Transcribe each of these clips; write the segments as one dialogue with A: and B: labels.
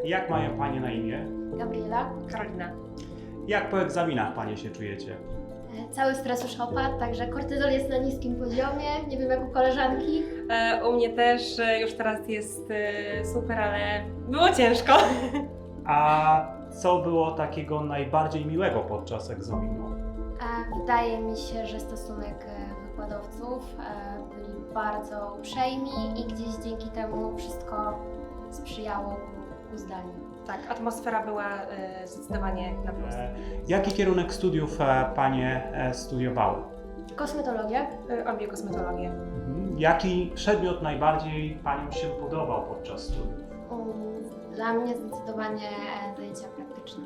A: Jak mają Panie na imię?
B: Gabriela.
C: Karolina.
A: Jak po egzaminach Panie się czujecie?
B: Cały stres już opadł, także kortyzol jest na niskim poziomie, nie wiem jak u koleżanki.
C: U mnie też już teraz jest super, ale było ciężko.
A: A co było takiego najbardziej miłego podczas egzaminu?
B: Wydaje mi się, że stosunek wykładowców byli bardzo uprzejmi i gdzieś dzięki temu wszystko sprzyjało ku zdaniu.
C: Tak, atmosfera była zdecydowanie na plus.
A: Jaki kierunek studiów Panie studiowały?
B: Kosmetologia.
C: Obie kosmetologię.
A: Jaki przedmiot najbardziej Paniom się podobał podczas studiów?
B: Dla mnie zdecydowanie zajęcia praktyczne.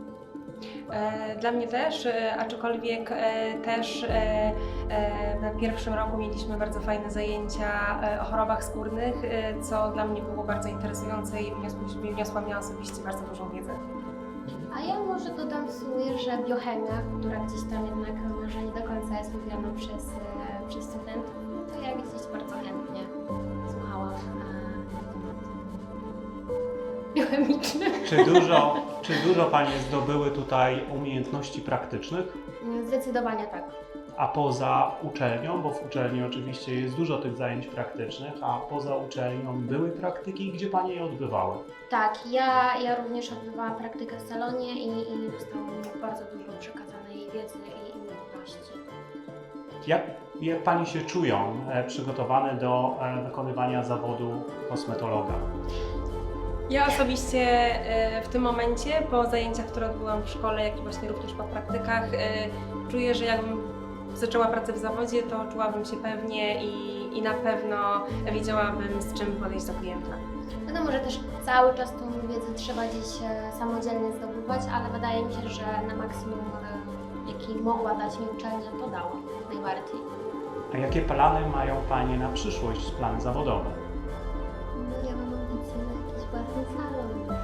C: Dla mnie też, aczkolwiek też na pierwszym roku mieliśmy bardzo fajne zajęcia o chorobach skórnych, co dla mnie było bardzo interesujące i wniosła mi osobiście bardzo dużą wiedzę.
B: A ja może dodam w sumie, że biochemia, która gdzieś tam jednak może nie do końca jest lubiana przez studentów, to ja gdzieś bardzo chętnie słuchałam na temat biochemiczny.
A: Czy dużo Panie zdobyły tutaj umiejętności praktycznych?
B: Zdecydowanie tak.
A: A poza uczelnią, bo w uczelni oczywiście jest dużo tych zajęć praktycznych, a poza uczelnią były praktyki, gdzie Panie je odbywały?
B: Tak, ja również odbywałam praktykę w salonie i dostałam bardzo dużo przekazanej wiedzy i umiejętności.
A: Jak Panie się czują przygotowane do wykonywania zawodu kosmetologa?
C: Ja osobiście w tym momencie, po zajęciach, które odbyłam w szkole, jak i właśnie również po praktykach, czuję, że jakbym zaczęła pracę w zawodzie, to czułabym się pewnie i na pewno wiedziałabym, z czym podejść do klienta.
B: Wiadomo, że też cały czas tą wiedzę trzeba gdzieś samodzielnie zdobywać, ale wydaje mi się, że na maksimum, jaki mogła dać mi uczelnia, to dała najbardziej.
A: A jakie plany mają Panie na przyszłość, plany zawodowe?
B: No, ja mam ambicje na jakiś własny salon.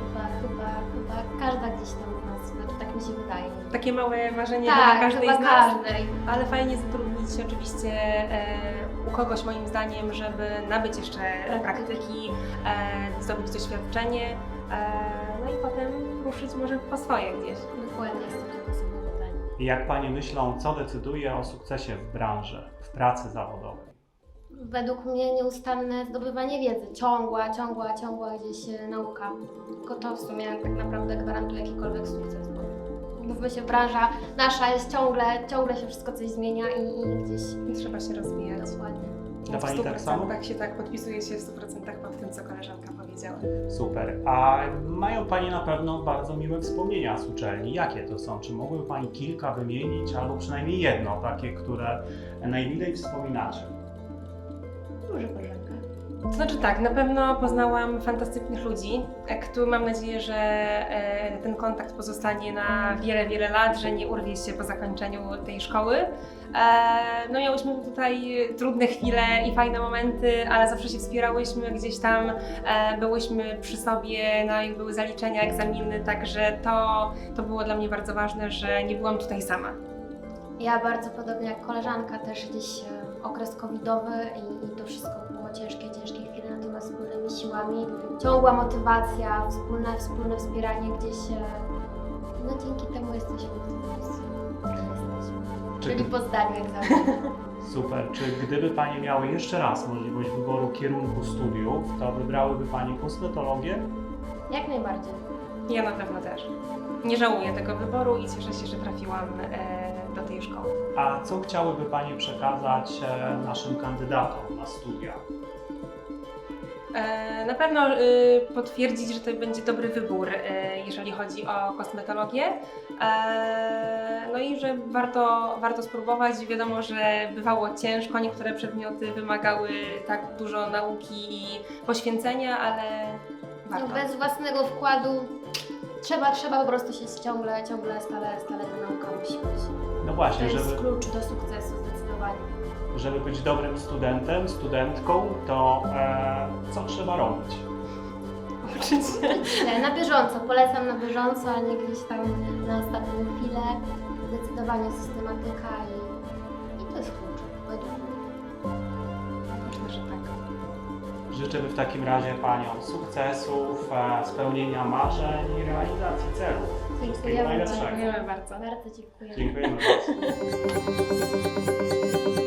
B: Chyba każda gdzieś tam z nas, znaczy tak mi się wydaje.
C: Takie małe marzenie
B: Tak,
C: dla każdej
B: chyba
C: z nas,
B: każdej.
C: ale fajnie zatrudnić oczywiście u kogoś moim zdaniem, żeby nabyć jeszcze praktyki, zdobyć doświadczenie, no i potem ruszyć może po swoje gdzieś.
B: Dokładnie jest to takie samo pytanie.
A: Jak Panie myślą, co decyduje o sukcesie w branży, w pracy zawodowej?
B: Według mnie nieustanne zdobywanie wiedzy, ciągła gdzieś nauka. Tylko to w sumie tak naprawdę gwarantuje jakikolwiek sukces. Bo mówmy się, branża nasza jest ciągle się wszystko coś zmienia i gdzieś
C: Trzeba się rozwijać.
B: dokładnie.
A: Dla Pani tak samo?
C: Tak się tak podpisuje się w 100% pod tym, co koleżanka powiedziała.
A: Super. A mają Panie na pewno bardzo miłe wspomnienia z uczelni. Jakie to są? Czy mogłyby Pani kilka wymienić, albo przynajmniej jedno, takie, które najmilej wspominacie?
B: Może koleżanka.
C: To znaczy tak, na pewno poznałam fantastycznych ludzi, mam nadzieję, że ten kontakt pozostanie na wiele lat, że nie urwie się po zakończeniu tej szkoły. No miałyśmy tutaj trudne chwile i fajne momenty, ale zawsze się wspierałyśmy, gdzieś tam byłyśmy przy sobie, no jak były zaliczenia, egzaminy, także to było dla mnie bardzo ważne, że nie byłam tutaj sama.
B: Ja bardzo podobnie jak koleżanka też gdzieś okres covidowy i to wszystko było ciężkie chwile, natomiast wspólnymi siłami, ciągła motywacja, wspólne wspieranie gdzieś, no dzięki temu jesteśmy w tym miejscu, w którym jesteśmy. Czyli po zdaniu egzaminu.
A: Super. Czy gdyby Panie miały jeszcze raz możliwość wyboru kierunku studiów, to wybrałyby Panie kosmetologię?
B: Jak najbardziej.
C: Ja na pewno też. Nie żałuję tego wyboru i cieszę się, że trafiłam do tej szkoły.
A: A co chciałyby Panie przekazać naszym kandydatom na studia?
C: Na pewno potwierdzić, że to będzie dobry wybór, jeżeli chodzi o kosmetologię. No i że warto spróbować. Wiadomo, że bywało ciężko, niektóre przedmioty wymagały tak dużo nauki i poświęcenia, ale warto.
B: No, bez własnego wkładu trzeba po prostu się ciągle ta nauka musi być.
A: No właśnie,
B: To jest klucz do sukcesu zdecydowanie.
A: żeby być dobrym studentem, studentką, to co trzeba robić?
C: Uczyć się.
B: Na bieżąco, polecam na bieżąco, a nie gdzieś tam na ostatnią chwilę. Zdecydowanie systematyka i to jest klucz według mnie.
C: Myślę, że tak.
A: Życzymy w takim razie Paniom sukcesów, spełnienia marzeń i realizacji celów. Wszystkiego
B: Dziękujemy
A: najlepszego.
C: Dziękujemy bardzo.
B: Bardzo dziękujemy.
A: Dziękujemy bardzo.